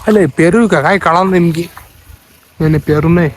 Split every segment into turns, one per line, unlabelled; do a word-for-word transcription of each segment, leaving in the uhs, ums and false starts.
अरे पेरू का काय कळा नेमकी नाही नाही पेरू नाही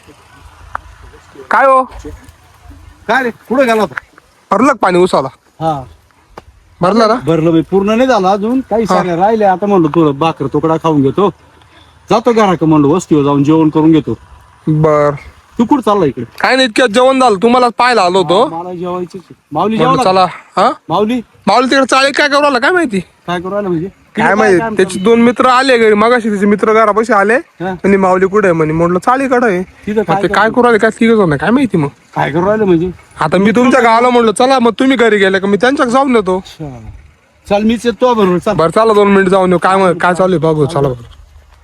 काय हो
काय रे कुठे गेला होता?
भरलं पाणी उसाला
हा
भरलं ना
भरलं बाई पूर्ण नाही झालं अजून काही सांगा राहिले आता म्हणलं थोडं भाकर तुकडा खाऊन घेतो जातो घरा का म्हणलं वस्तीवर जाऊन जेवण करून घेतो.
बर
तू कुठं चालला इकडे?
काय नाही इतक्यात जेवण झालं तुम्हाला पाहायला आलो होतो
मला जेवायची माऊली
म्हणलं
जेवला
चला हा
माऊली
माऊली तिकडे चाळी काय करू आला काय माहिती
काय करू राहिला म्हणजे
काय माहिती त्याचे दोन मित्र आले घरी मगाशी त्याचे मित्र घरापाशी आले
हा.
आणि माऊली कुठे आहे म्हणे म्हटलं चाळीकडे आहे
तिथं
मग
काय
ते काय करू आले काय तिघ जण काय माहिती मग
काय करू राहिलं म्हणजे
आता मी तुमच्या गावाला म्हणलं चला मग तुम्ही घरी गेले का मी त्यांच्या जाऊन येतो.
अच्छा. चल मीच येतो बरोबर चल
बरं चला दोन मिनिट जाऊन येऊ काय मग काय चालू आहे बघू चला बरं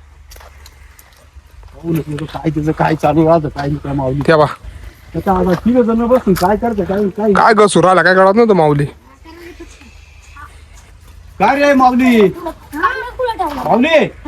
पाहू नको काय त्याचं काय चालू राहतं काय नाही काय माऊली
ठेवा
आता आता तिघ जण बसून काय करते काय काय
काय घसू राहिला काय कळत नव्हतं माऊली
काय रे माऊली माऊली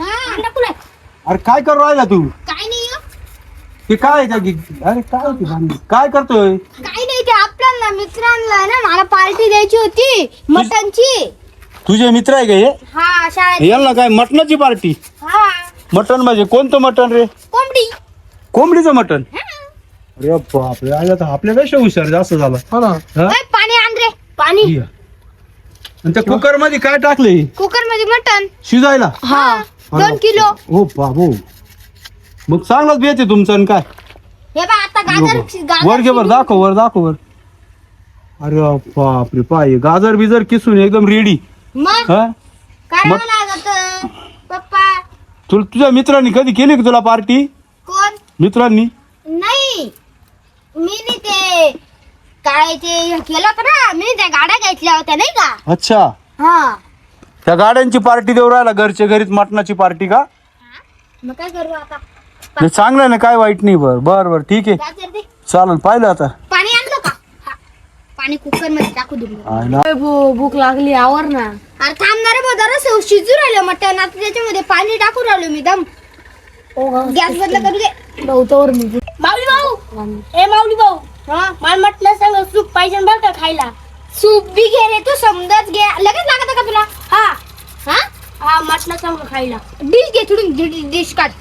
अरे काय करू राहिला तू
काय नाही हो.
ते काय त्या गी- अरे काय होती भांडण? काय करतोय
काय नाही ते आपल्याला मित्रांना ना मला पार्टी द्यायची होती मटनची.
तुझे मित्र आहे का हे
हा शाळेत.
यांना काय मटणाची पार्टी
हा
मटण म्हणजे कोणतं मटण रे
कोंबडी.
कोंबडीचं मटण
हा.
अरे बापरे आला तर आपल्यापेक्षा हुशार जास्त झाला
हा ना
हा?
ओय, पाणी आण रे पाणी.
या. आणि त्या कुकर मध्ये काय टाकले
कुकर मध्ये मटन.
शिजायला
हा दोन किलो.
हो बाबू मग चांगलाच बेत आहे तुमचं आणि काय
हे बा आता गाजर गाजर
वर घे बर दाखव वर दाखव वर अरे बापरे पाय गाजर बिजर किसून एकदम रेडी
मग
हा
काय
मग-
लागत पप्पा.
तुला तुझ्या मित्रांनी कधी केली का तुला पार्टी
कोण
मित्रांनी
नाही मी नाही ते काय ते केलं होतं ना मी त्या गाड्या घेतल्या होत्या नाही का.
अच्छा
हा
त्या गाड्यांची पार्टी देऊ राहिला घरच्या घरीच मटणाची पार्टी का
मग काय करू आता.
नाही चांगलं ना काय वाईट नाही बर बर बर ठीक आहे
गाजर दे.
चालेल पाहिलं आता
पाणी आणलं का. हा. पाणी कुकर मध्ये टाकू दे.
आयला.
भूक लागली आवर ना.
अरे थांबणार आहे जरा शिजू राहिलं मटण आता त्याच्यामध्ये पाणी टाकून राहिलो मी दम. गॅस बंद करू दे.
गवतावर मी
माऊली भाऊ ए माऊली भाऊ हा मला म्हटलं सांग सूप पाहिजे बरं का खायला. सूप बी घे रे तू समजाच घे लगेच लागत का तुला. हा हा हा म्हटलं सांग खायला. डिश घे थोडी डिश काढ.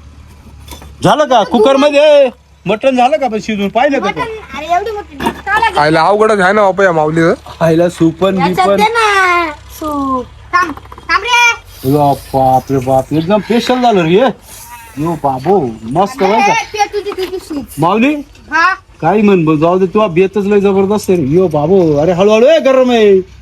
झालं का कुकर मध्ये मटण झालं का पण शिजून पाहिलं का
मटण अरे एवढी मोठी डिश का लागेल.
आयला अवघडच आहे ना बापा या माऊलीचं
खायला सुपन
याच्यात
बिपन
दे ना सूप. थांब थांब रे.
बाप रे बाप एकदम स्पेशल झालं रे यो बाबो मस्त बरं का
ए, पे तुझी तुझी सूप.
माऊली
हा
काही म्हण बघ, जाऊ दे तुला बेतच लय जबरदस्त आहे रे. यो बाबो अरे हळूहळू आहे गरम आहे